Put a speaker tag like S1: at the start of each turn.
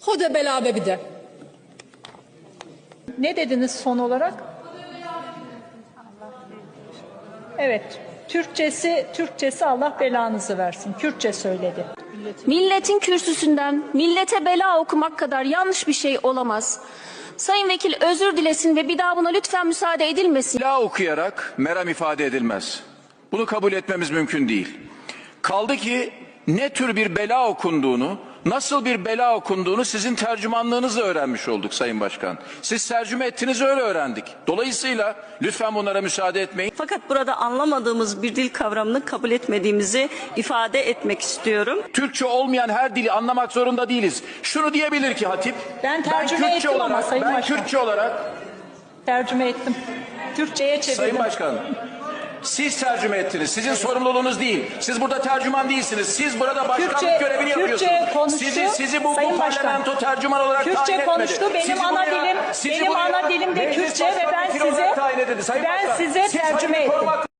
S1: Hoda belabe bir de.
S2: Ne dediniz son olarak? Evet. Türkçesi Allah belanızı versin. Kürtçe söyledi.
S3: Milletin kürsüsünden millete bela okumak kadar yanlış bir şey olamaz. Sayın Vekil özür dilesin ve bir daha buna lütfen müsaade edilmesin.
S4: Bela okuyarak meram ifade edilmez. Bunu kabul etmemiz mümkün değil. Kaldı ki ne tür bir bela okunduğunu, nasıl bir bela okunduğunu sizin tercümanlığınızla öğrenmiş olduk Sayın Başkan. Siz tercüme ettiniz, öyle öğrendik. Dolayısıyla lütfen bunlara müsaade etmeyin.
S5: Fakat burada anlamadığımız bir dil kavramını kabul etmediğimizi ifade etmek istiyorum.
S4: Türkçe olmayan her dili anlamak zorunda değiliz. Şunu diyebilir ki hatip,
S2: Ben tercüme ettim ama Sayın Başkan.
S4: Kürtçe olarak
S2: Tercüme ettim. Türkçe'ye çevirdim.
S4: Sayın Başkan, siz tercüme ettiniz. Sizin sorumluluğunuz değil. Siz burada tercüman değilsiniz. Siz burada başkanlık görevini yapıyorsunuz.
S2: Kürtçe konuştu.
S4: Sizi bu
S2: Sayın
S4: parlamento tercüman olarak tayin
S2: Kürtçe
S4: etmedi.
S2: konuştu. Benim ana dilim de Kürtçe ve ben size tercüme ettim.